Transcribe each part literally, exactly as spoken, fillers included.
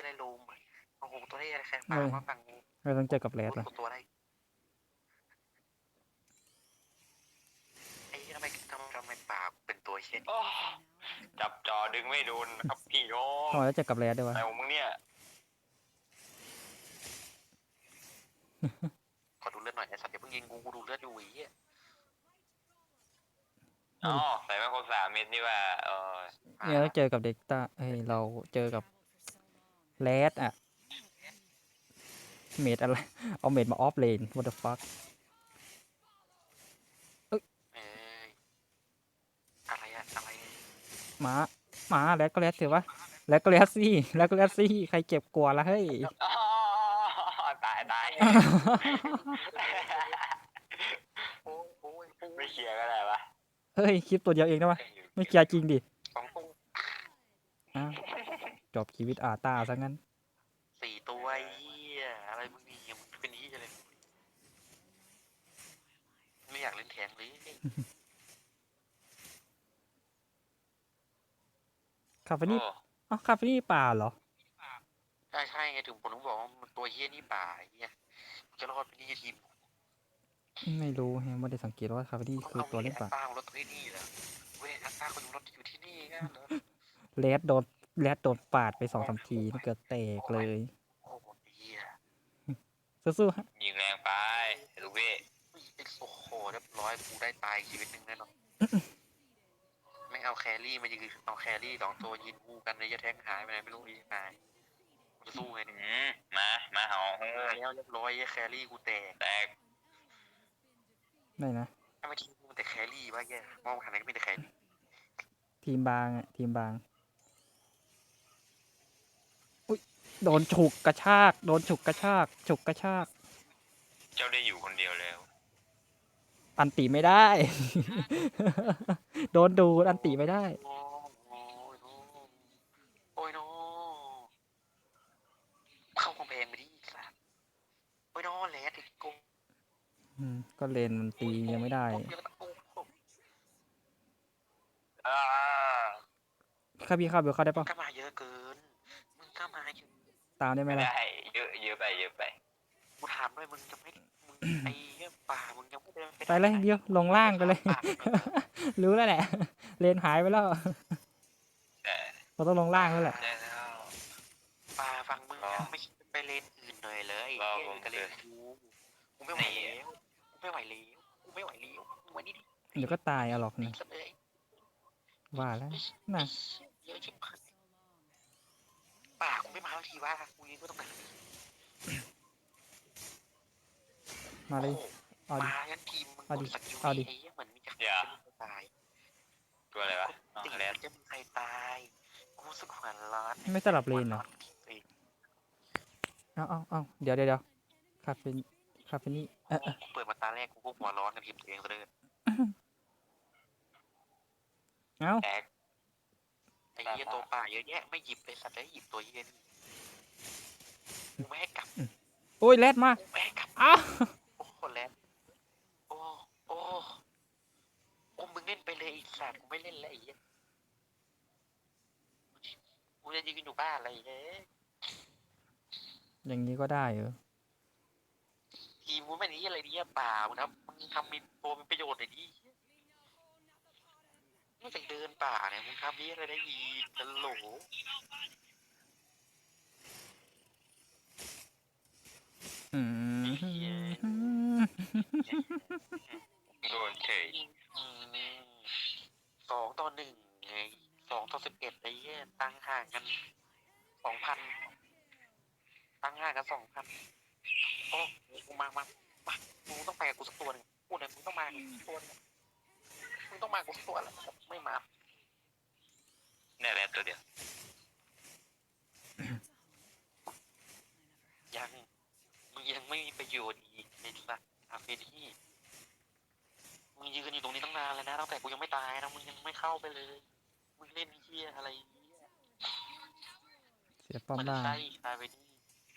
อะไรลุมโอ้โหตัวได้อะไรแค่ปลามาฝั่งกูเราต้องเจอกับแรดรู้ว่ะตัวได้ไอ้ทำไมทำทำไมปลาเป็นตัวเช่นจับจอดึงไม่โดนครับพี่น้องทำไมต้องเจอกับแรดด้วยวะอะไรของมึงเนี่ยขอดูเลือดหน่อยไอ้สัตว์อย่าเพิ่งยิงกูกูดูเลือดอยู่อีกอ๋อใส่มาครบสามเม็ดนี่ว่าเออเนี่ยต้องเจอกับเด็กต้าเฮ้ยเราเจอกับแรดอะเมดอะไรเอาเมดมาออฟเลน what the fuck เอ้ยอะไรอะอะไรหมาหมาแรดก็แรดเถอะวะแรดก็แรดสิแรดก็แรดสิใครเจ็บกลัวละเฮ้ยอ๋อตายตายไม่เคลียร์ก็ได้ปะเฮ้ยคลิปตัวเดียวเองนะวะไม่เคลียร์จริงดิสองตัวอ้าวจบชีวิตอาตาซะงั้นสี่ตัวไอ้เหี้ยอะไรมึงนี่มึงเป็นนี้เลยไม่อยากเล่นแทงเลยคาเฟนี่อ๋อคาเฟนี่ป่าเหรอใช่ใช่ไงถึงผมต้องบอกว่ามันตัวเหี้ยนี่ป่าไอ้เหี้ยจะรอดไปนี่ทีมไม่รู้แฮะไม่ได้สังเกตว่าคาเฟนี่คือตัวเล่นป่าแอตตารถที่นี่เหรอเว้ยแอตตาคนอยู่รถอยู่ที่นี่กันเหรอแรดโดนแรดโดนปาดไปสองสามทีนี่เกิดแตกเลยโอ้โหเหี้ยสู้ๆฮะยิงแรงไปลูกพี่โอ้โหเรียบร้อยกูได้ตายชีวิตหนึ่งแน่นอนไม่เอาแครี่มายืนเอาแครี่สองตัวยืนคู่กันในยะแทงหายไปไหนไม่รู้อีกหายจะสู้ไงเนี่ยอืมมามาเหามาแล้วเรียบร้อยแครี่กูแตกแตกได้นะถ้าไม่ทีมมันแต่แครี่วะแกมองหันไหนก็มีแต่แครี่ทีมบางอะทีมบางอุ้ยโดนฉุกกระชากโดนฉุกกระชากฉุกกระชากเจ้าได้อยู่คนเดียวแล้วอันติไม่ได้ โดนดูดอันติไม่ได้โอ้ยโน้โอ้ยโน้เข้ากำแพงไปดิสัสโอ้ยโน้แหลติดกูอืมก็เลนมันตียังไม่ได้อ่าข้าพี่เข้าเบลเข้าได้ปะก็มาเยอะเกินมึงก็มาเยอะตามได้ไหมไม่ล่ะได้เยอะเยอะไปเยอะไปกูถามด้วยมึงจะไม่มึงไอ้เหี้ยป่ามึงยังไม่ได้ไปเลยเดียวลงล่างไปเลย รู้แล้วแหละ เลนหายไปแล้วแต่เราต้องลงล่างแล้วแหละได้แล้วป่าฟังมึงไม่ไปเลนอื่นหน่อยเลยไอ้เหี้ยก็เลนกูกูไม่ไหวแล้วกูไม่ไหวแล้วกูไม่ไหวแล้วมึงมานี่ดิเดี๋ยวก็ตายเอาหรอกนะเลยว่าแล้วน่ะเยอะชิบหายป่ากูไม่มาทีว่ากูยืนก็ต้องการมาเลย เอาดิมางั้นทีมมึงเอาดิกสักยูเอาดิไอ้เหี้ยเหมือนมีจะจะมีใครตายตัวอะไรวะอ๋อติดแรดจะมีใครตายกูรู้สึกหัวร้อนไม่สลับเลนเหรอ เอาเอาเอาเดี๋ยวเดี๋ยวเดี๋ยวคาเฟนคาเฟนี่เออเออกูเปิดมาตาแรกกูก็หัวร้อนกับทีมตัวเองซะเลยเอาแตกไอ้เหี้ยตัวป่าเยอะแยะไม่หยิบเลยสัตว์ได้หยิบตัวเหี้ยนี่กูไม่ให้กลับโอ้ยแรดมากูไม่ให้กลับอ้าวโอ้โหแล้วโอ้โอ้โอ้มึงเล่นไปเลยไอ้สัตว์กูไม่เล่นแล้วไอ้เหี้ยกูจะยืนอยู่บ้านอะไรเงี้ยอย่างนี้ก็ได้เหรอทีมกูไม่นี้อะไรเนี่ยป่ามึงทำมึงทำมีตัวมีประโยชน์หน่อยดินอกจากเดินป่าเนี่ยมึงทำนี้อะไรได้อีกตลกอืมโดนเฉยอืมสองต่อหนึ่งไงสองต่อสิบเอ็ดไอ้เหี้ยตั้งห่างกันสองพันตั้งห่างกันสองพันโอ้กูมามามามึงต้องไปกับกูสักตัวหนึ่งกูเนี่ยมึงต้องมากับกูสักตัวหนึงมึงต้องมากับกูสักตัวแหละไม่มานี่แรดตัวเดียวยังมึงยังไม่มีประโยชน์อีกในสัตว์อาเฟที่มึงยืนอยู่ตรงนี้ตั้งนานแล้วนะตั้งแต่กูยังไม่ตายนะมึงยังไม่เข้าไปเลยมึงเล่นเหี้ยอะไรเนี่ยเสียป้อมมันล่างใช่ตายไปนี่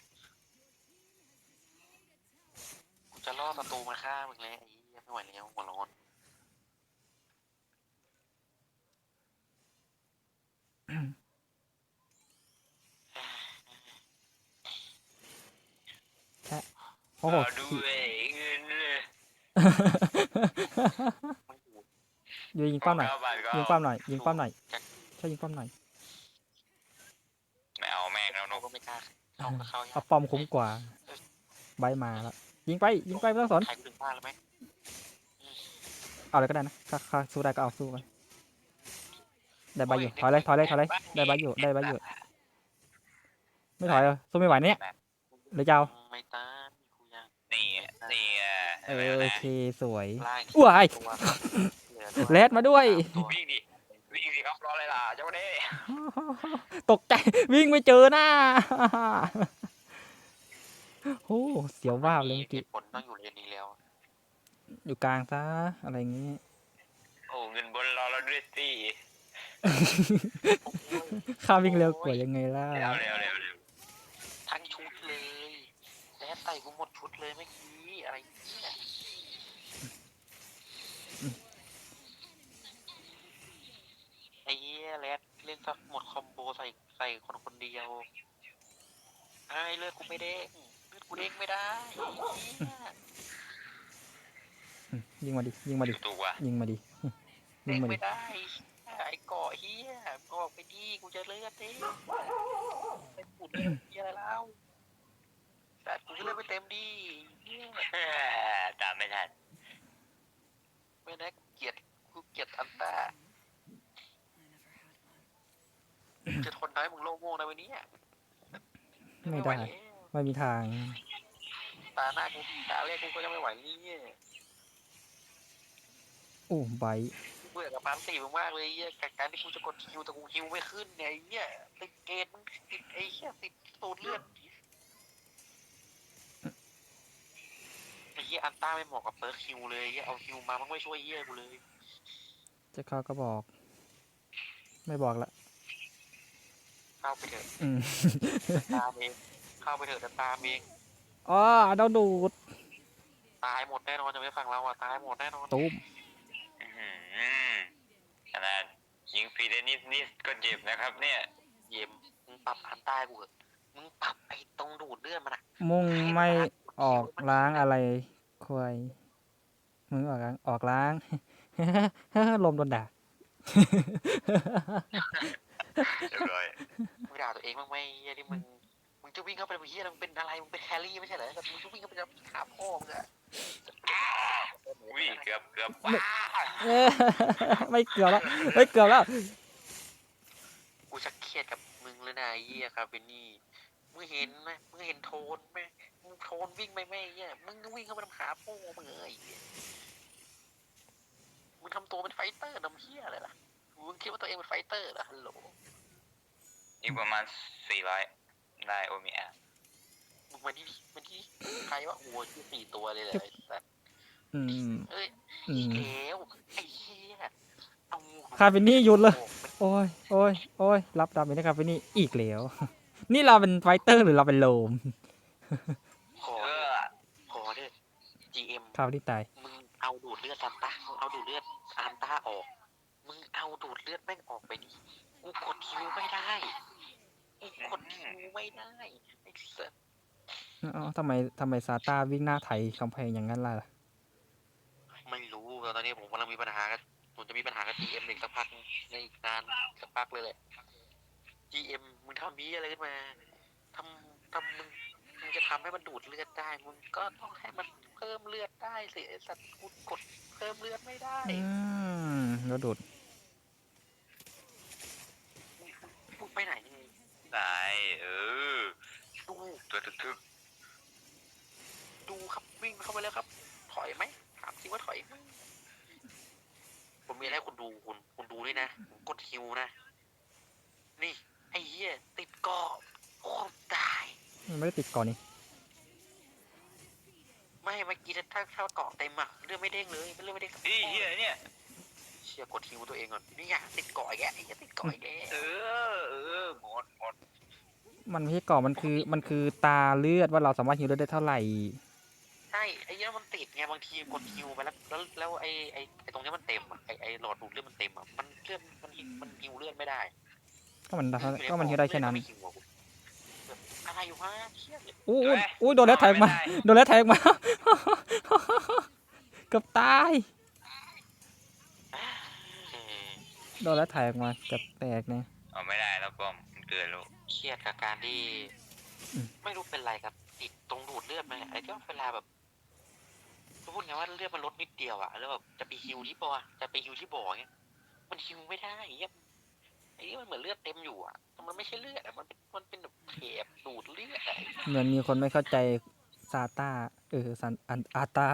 กูจะล่อศัตรูมาฆ่ามึงแล้วไอ้เหี้ยไม่ไหวแล้วหัวร้อนโอ้โหเอาด้วยเงินเลยมันอยู่อยู่ยิงป้อมหน่อยเก้าบาทก็ยิงป้อมหน่อยยิงป้อมหน่อยจากช่วยยิงป้อมหน่อยไม่เอาแม่งแล้วเรานุ๊กก็ไม่กล้าเข้าเข้าเอาป้อมคุ้มกว่า ใบมาแล้วยิงไปยิงไปไม่ต้องสนใครกูถึงบ้านแล้วไหมเอาเลยก็ได้นะถ้าถ้าสู้ได้ก็เอาสู้กันได้ใบอยู่ถอยเลยถอยเลยถอยเลยได้ใบอยู่ได้ใบอยู่ไม่ถอยเหรอสู้ไม่ไหวเนี่ยหรือจะเอาไม่ตามกูยังนี่นี่เออโอเคสวยล่างว้ายตัวเหลือตัวแรดมาด้วยตัววิ่งดิวิ่งสิครับรออะไรล่ะเจ้าเด้ตกใจวิ่งไม่เจอหน้าโอ้เสียวว่าบเลยเมื่อกี้ผลต้องอยู่เลนนี้แล้วอยู่กลางซะอะไรอย่างงี้โอ้เงินบนรอเราด้วยสิข้าวิ่งเร็วกว่ายังไงล่ะเร็วเร็วเร็วเร็วทั้งชุดเลยแรดใส่กูหมดชุดเลยเมื่อกี้อะไรเนี่ยไอ้เหี้ยแรดเล่นสักหมดคอมโบใส่ใส่คนคนเดียวไอ้เลือดกูไม่เด้งเลือดกูเด้งไม่ได้เหี้ยอืมยิงมาดิยิงมาดิถูกว่ะยิงมาดิยิเด้งงมาดิไม่ได้ไอ้เกาะเฮียก็ออกไปดีกูจะเลือดดิไปปูดเลือดเฮียอะไรแล้วแต่กูจะเลือดไปเต็มดีเฮียตามไม่ทันไม่ได้กูเกลียดกูเกลียดอันตาจะทนได้มึงโลกโง่ในวันนี้ไม่ได้ไม่มีทางตาหน้ากูตาแรกกูก็ยังไม่ไหวนี่โอ้ใบเบื่อกับปานสี่มึงมากเลยเฮียกับการที่กูจะกดคิวแต่กูคิวไม่ขึ้นเนี่ยเฮียติดเกณฑ์มึงติดไอ้เฮียติดสูตรเลือดไอ้เฮียอันต้าไม่เหมาะกับเปิร์คคิวเลยเฮียเอาคิวมามันไม่ช่วยเฮียกูเลยจะเข้าก็บอก ไม่บอกละเข้าไปเถอะอืมตามเองเข้าไปเถอะจะตามเองอ๋อเราดูดตายหมดแน่นอนจะไม่ฟังเราอ่ะตายหมดแน่นอนตุ้มอื้อหือขนาดยิงฟรีได้นิดนิดก็เจ็บนะครับ เนี่ยเยี่ยมมึงปรับอันใต้กูเหอะมึงปรับไอ้ตรงดูดเลือดมันอ่ะมุ่งไม่ออกล้างอะไรควายมึงออกล้างออกล้าง ลมโดนด่าเรียบร้อยมึงด่าตัวเองบ้างไหมเฮียที่มึงมึงจะวิ่งเข้าไปเป็นเฮียมึงเป็นอะไรมึงเป็นแครี่ไม่ใช่เหรอแต่มึงจะวิ่งเข้าไปจะขาพ่อมึงอะอุ้ยเกือบเกือบเอ้ยไม่เกือบแล้วไม่เกือบแล้วกูชักเครียดกับมึงเลยนะไอ้เฮียครับเป็นนี่มึงเห็นไหมมึงเห็นโทนไหมมึงโทนวิ่งไปไหมเฮียมึงก็วิ่งเข้าไปทำขาพ่อมึงเอ้ยมึงทำตัวเป็นไฟเตอร์น้ำเฮียอะไรล่ะมึงคิดว่าตัวเองเป็นไฟเตอร์เหรอฮัลโหลอีกประมาณสี่ร้อยได้โอมิแอลมึงมาที่มาที่ใครวะโอ้ยชื่อสี่ตัวเลยแหละไอ้สัสอืมเอ้ยอือีกมแล้วไอ้เหี้ยเอาคาเฟนี่หยุดเลย โอ้ยโอ้ยโอ้ยรับดาเมจนะครับไปนี่อีกแล้ว นี่เราเป็นไฟเตอร์หรือเราเป็นโลมขอเอเด้ออขอเด้อ จี เอ็มคาเฟนี่ตายมึงเอาดูดเลือดซันต้ามึงเอาดูดเลือดอันต้าออก มึงเอาดูดเลือดแม่งออกไปดิกูกดคิวไม่ได้กูกดคิวไม่ได้ไอ้สัสอ๋อทำไมทำไมซาต้าวิ่งหน้าไถกำแพงอย่างนั้นล่ะไม่รู้ตอนนี้ผมกำลังมีปัญหากับผมจะมีปัญหากับ จี เอ็ม อีกสักพักในอีกนานสักพักเลยแหละ จี เอ็ม มึงทำนี้อะไรขึ้นมาทำทำมึงมึงจะทำให้มันดูดเลือดได้ มึงก็ต้องให้มันเพิ่มเลือดได้สิไอ้สัตว์กูกดเพิ่มเลือดไม่ได้อืมแล้วดูดมึงไปไหนไงได้เออดูตัวทึกดูครับวิ่งเข้าไปแล้วครับ ถอยไหมถามสิว่าถอยไหมผมมีอะไรให้คุณดูคุณคุณดูด้วยนะผมกดฮิวนะ นี่ ไอ้เหี้ยติดเกาะโอ้ตายมันไม่ได้ติดก่อนนี่ไม่เมื่อกี้ถ้าถ้าเกาะเต็มอะเลือดไม่เด้งเลยเลือดไม่เด้งสักๆอีเหี้ยเนี่ยเชี่ยกดฮิวตัวเองก่อนนี่ไงติดเกาะอีกแล้วไอ้เหี้ยติดเกาะอีกแล้วเออเออหมดหมดมันไม่ใช่ก่อนมันคือมันคือตาเลือดว่าเราสามารถฮิวเลือดได้เท่าไหร่ใช่ไอ้เนี้ยมันติดไงบางทีกดคิวไปแล้วแล้วแล้วไอ้ไอ้ไอ้ตรงเนี้ยมันเต็มอ่ะไอ้ไอ้หลอดดูดเลือดมันเต็มอ่ะมันเลือดมันมันฮิวเลือดไม่ได้ก็มันก็มันฮิวได้แค่นั้นเลือดก็ไม่ฮิวอะกูอะไรายอยู่ฮะเชี่ยเลยโอ้ยโอ้ยโดนแล้วแทงมาโดนแล้วแทงมา เกือบตายเออโดนแล้วแทงมาเกือบแตกเนี่ยเอาไม่ได้แล้วป้อมมันเกินแล้วเครียดกับการที่อืมไม่รู้เป็นไรครับติดตรงดูดเลือดไหมไอ้ที่ว่าเวลาแบบพูดไงว่าเลือดมันลดนิดเดียวอะแล้วแบบจะไปฮิวที่บ่อจะไปฮิวที่บ่อเงี้ยมันฮิวไม่ได้เงี้ยไอ้นี่มันเหมือนเลือดเต็มอยู่อะแต่มันไม่ใช่เลือดอะมันเป็นมันเป็นแบบเทปดูดเลือดอะเหมือนมีคนไม่เข้าใจซาต้าเออซันอันอาตา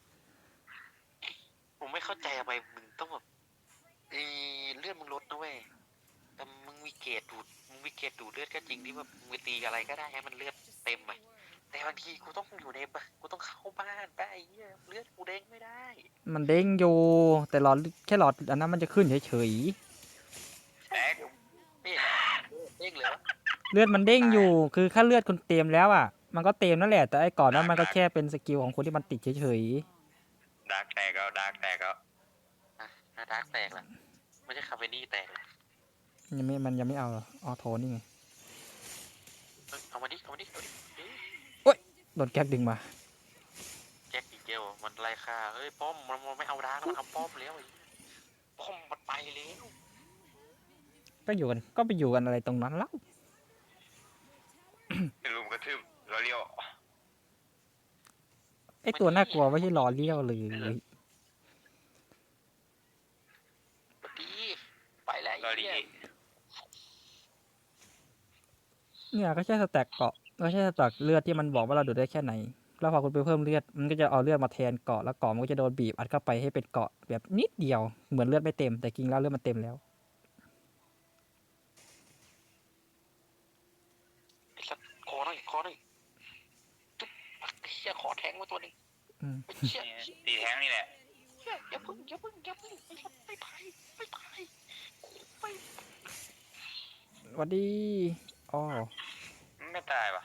ผมไม่เข้าใจทำไมมึงต้องแบบเออเลือดมึงลดนะเว้ยแต่มึงมีเกรดดูดมึงมีเกรดดูดเลือดก็จริงที่แบบมึงไปตีอะไรก็ได้ให้มันเลือดเต็มอะแต่บางทีกูต้องอยู่ในบ้านกูต้องเข้าบ้านไปไอ้เหี้ยเลือดกูเด้งไม่ได้มันเด้งอยู่แต่หลอดแค่หลอดอันนั้นมันจะขึ้นเฉยแตกนี่เด้งเลยวะๆเลือดมันเด้งอยู่คือค่าเลือดคนเต็มแล้วอ่ะมันก็เต็มนั่นแหละแต่ไอ้ก่อนนั้นมันก็แค่เป็นสกิลของคนที่มันติดเฉยดาร์กแตกเอาดาร์กแตกเอาอ่ะนาดาร์กแตกละไม่ใช่คาเฟนี่แตกละๆยังไม่มันยังไม่เอาหรอออโทนี่ไงเอ้ยเอามาดิเอามาดิเอาดิเฮ้ยโดนแก๊กดึงมาแจ็คอีกเกลมันไล่ฆ่าเฮ้ยป้อมมันมันไม่เอาดาร์กมันเอาป้อมแล้วไอ้ป้อมมันไปแล้วก็อยู่กันก็ไปอยู่กันอะไรตรงนั้นแล้วเป็นลุมกระทืบเราเลี้ยวไอ้ตัวน่ากลัวไม่ใช่หลอเลี้ยวเลยปดีไปแล้วเราไอ้ดีเหี้ยเนี่ยก็แค่สแต็กเกาะก็แค่สแต็กเลือดที่มันบอกว่าเราดูดได้แค่ไหนแล้วพอคุณไปเพิ่มเลือดมันก็จะเอาเลือดมาแทนเกาะแล้วเกาะมันก็จะโดนบีบอัดเข้าไปให้เป็นเกาะแบบนิดเดียวเหมือนเลือดไม่เต็มแต่จริงแล้วเลือดมันเต็มแล้วไอ้สัตว์คอหน่อยคอหน่อยจุ๊บไอ้เชี่ยคอแทงมาตัวหนึงอืมไอ้เชี่ยเนี่ยตีแท้งนี่แหละเชี่ยอย่าพึ่งอย่าพึ่งอย่าพึ่งไอ้สัตว์ไม่ไปไม่ไปไม่สวัสดีอ๋อไม่ตายว่ะ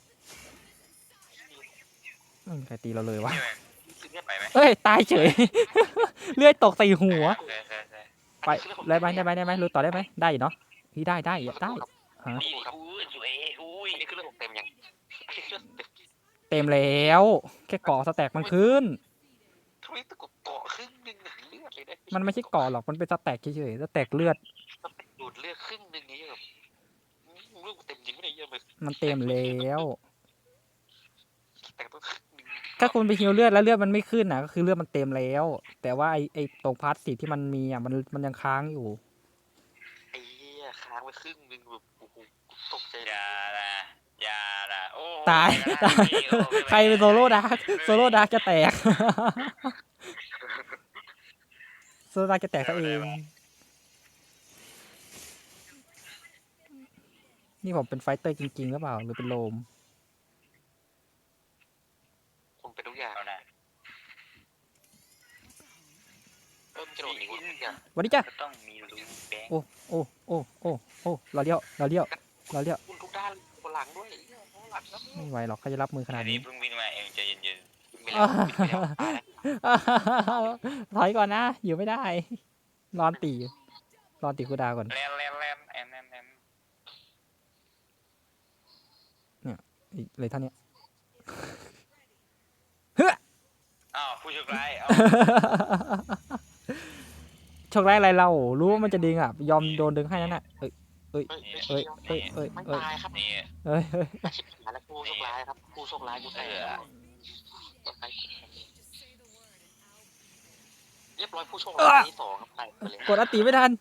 ไม่มีใครตีเราเลยวะนี่ไหมคือเนี่ยไปไหมเอ้ยตายเฉย เลือดตกใส่หัวใช่ใช่ใช่ไปได้ไหมได้ไหมได้ไหมรู้ต่อได้ไหมได้อยู่เนาะพี่ได้ได้ได้ฮะดีอุ้ยสวยอุ้ยอันนี้คือเรื่องของเต็มยังอันนี้คือเรื่องเต็มเต็มแล้วแค่เกาะสแต็กมันขึ้นทำไมตะกุกเกาะครึ่งหนึ่งอะเลือดเลยนะมันไม่ใช่เกาะหรอกมันเป็นสแต็กเฉยๆสแต็กเลือดมันเป็นดูดเลือดครึ่งหนึ่งนี้แบบเลือดกูเต็มจริงไม่ได้เยอะเลยมันเต็มแล้วแต่ต้องครึ่งหนึ่งถ้าคุณไปฮิวเลือดแล้วเลือดมันไม่ขึ้นนะก็คือเลือดมันเต็มแล้ว แต่ว่าไอไอตรงพาร์ทสีที่มันมีอ่ะมันมันยังค้างอยู่ไอ้เหี้ยค้างไว้ครึ่งหนึ่งแบบโอ้โหตกใจอเลยย่าละอย่าละโอ้ตายตายใครเป็นโซโล่ดาร์กโซโล่ดาร์กจะแตก โซโล่ดาร์กจะแตกซะเอง นี่ผมเป็นไฟเตอร์จริงๆหรือเปล่าหรือเป็นโลมคุณเป็นทุกอย่างเอาหน่ะเออมันจะโดนหนีทุกอย่างวันนี้จ้ะก็ต้องมีรูแบงค์โอ้โอ้โอ้โอ้โอ้เราเลี้ยวเราเลี้ยวเราเลี้ยวคุณทุกด้านบนหลังด้วยไอ้เหี้ยบนหลังแล้วไม่ไหวหรอกเขาจะรับมือขนาอัดนนี้นี้เพิ่งวิ่งมาเองใจเย็นบินไปแล้วบินไปแล้วตายแล้วถอยก่อนนะ อยู่ไม่ได้รอนตีรอนตีคูดาวก่อนๆแลนแลนแลนแอนแอนแอนอีกเลยเท่านี้อ้าวผู้โชคร้ายเอาโชคร้ายอะไรเรา รู้ว่ามันจะดึงอ่ะ ยอมโดนดึงให้นั่นน่ะเอ้ยเฮ้ยเอ้ยเอ้ยเอ้ยไม่เอ้ยตายครับนี่เอ้ยเอ้ยอาชีพหาแล้วผู้โชคร้ายครับผู้โชคร้ายกูแตกแล้วเรียบร้อยผู้โชคร้ายที่สองครับไปไปเลยกดอติไม่ทัน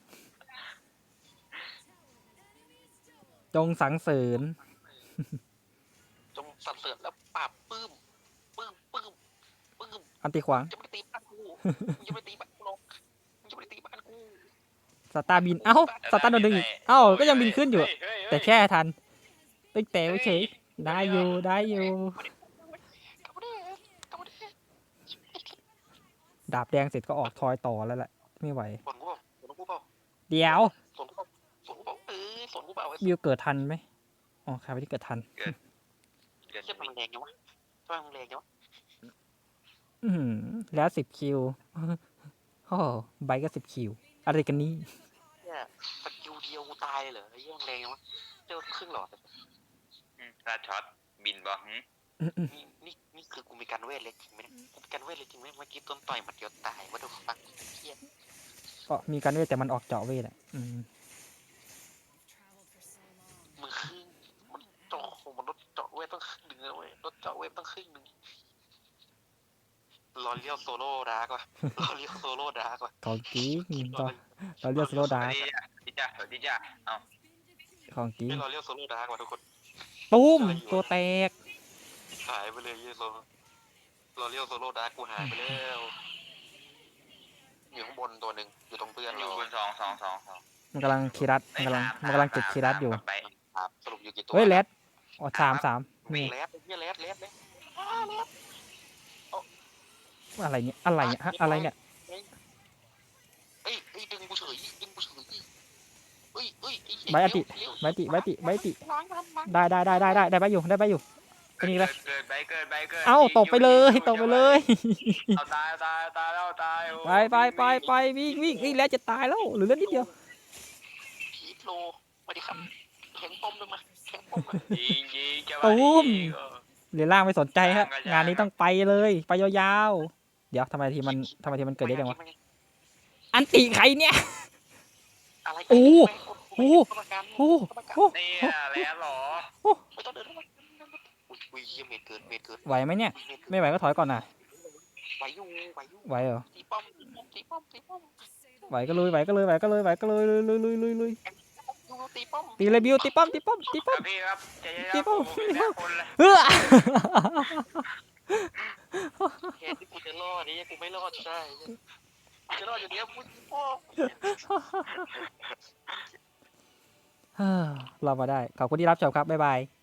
จงสังเสริญจงสรรเสริญแล้วปราบปื้มปื้มปื้มปื้มอันติขวางจะไม่ตีบ้านกูมึงจะไม่ตีบ้านกูหรอกมึงจะไม่ตีบ้านกูสตาร์บิน เอ้า สตาร์โดนดึงอีก เอ้า ก็ยังบินขึ้นอยู่ แต่แค่ทันตึ้งแต่เฉยได้อยู่ ได้อยู่กลับมาดิกลับมาดิดาบแดงเสร็จก็ออกทอยต่อแล้วแหละ ไม่ไหวสนกูเปล่าสนกูเปล่าเดี๋ยวสนกูเปล่าสนกูเปล่าเออสนกูเปล่าไอ้วิวเกิดทันไหมอ๋อใครไปที่เกิดทันเชี่ยมันแรงยังวะทำไมมันแรงยังวะอือหือแล้วสิบคิว โอ้โหใบก็สิบคิว อะไรกันนี่เนี่ยสกิลเดียวกูตายเลยเหรอไอ้เหี้ยมันแรงยังวะเจอครึ่งหลอดเลยอืมถ้าช็อตบินบอกหึนี่นี่นี่คือกูมีการเวทเลยจริงไหมเนี่ยกูมีการเวทเลยจริงไหมเมื่อกี้ต้นต่อยหมัดเดียวตายว่าดูฟังเครียดก็มีการเวทแต่มันออกเจาะเวทอ่ะอืมมึงครึ่งมันเจาะโหมันลดเจาะเวทต้องครึ่งหนึ่งเลยเว้ยลดเจาะเวทต้องครึ่งหนึ่งรอเลี้ยวโซโล่ดาร์กว่ะรอเลี้ยวโซโล่ดาร์กว่ะของจริงรก็อเราเรียกสโลสดาวัร์สดีจ้ะสวัสดีจ้ะสวัสดีจ้ะเอ้าของจริงไม่รอเลี้ยวโซโล่ดาร์กว่ะทุกคนตุ้มตัวแตกหายไปเลยเยโซรอเลี้ยวโซโล่ดาร์กกูหายไปแล้วอยู่ข้างบนตัวหนึ่งอยู่ตรงเพื่อนอเรายู่บนสองสองสองสองมันกำลังคีรัตมันกำลังมันกำลังเก็บคีรัตอยู่ไปครับสรุปอยู่กี่ตัวเฮ้ยแรดอ๋อสามสามมีนี่แรดเนี่ยแรดแรดเลยอ้าแรดอะไรเนี่ยอะไรเนี่ยฮะอะไรเนี่ยเอ้ยเอ้ยดึงกูเฉยดึงกูเฉยเอ้ยเอ้ยไอ้เหี้ยใบอติเลี้ยวใบติใบติใบติล้างล้างล้างได้ได้ได้ได้ได้ได้ใบอยู่ได้ใบอยู่ก็นี่เกิไปดเกิดไปเกิดไปเกิดเอ้าตกไปเลยตกไปเลยเอาตายตายตายแล้วตายโอ้ไปไปไปไปวิ่งวิ่งวิ่งแล้วจะตายแล้วเหรือเลือดนิดเดียวพีทโลมาดิครับแข็งป้อมเลยมาแข็งป้อมมายิงยิงจะตูมยิงเออเหรียญล่างไม่สนใจฮะล่างก็ยากงานนี้ต้องไปเลยไปยาวๆเดี๋ยวทำไมทีมันทำไมทีมันเกิดได้ยังวะอันติใครเนี่ยอะไรโอ้โหโอ้โอ้โหนี่แล้วเหรอไม่ต้องเดินเข้ามาอุ้ยอุ้ยเหี้ยเมดเกิดเมดเกิดไหวไหมเนี่ยเมดเกิดไม่ไหวก็ถอยก่อนนะไหวอยู่ไหวอยู่ไหวเหรอตีป้อมตีป้อมตีป้อมตีป้อมไหวก็ลุยไหวก็ลุยไหวก็ลุยไหวก็ลุยลุยลุยลุยลุยลุยดูตีป้อมตีเลยบิวตีป้อมตีป้อมตีคป้อรัมบพี่ครับใจเย็นพี่ครับป้อมผมเป็นแม่คนเลยเฮ้อแค่ที่กูจะรอดนี่กูไม่รอดใช่กูจะรอดอย่างเดียวกูตีป้อมเฮ้อเรามาได้ขอบคุณที่รับชมครับบ๊ายบาย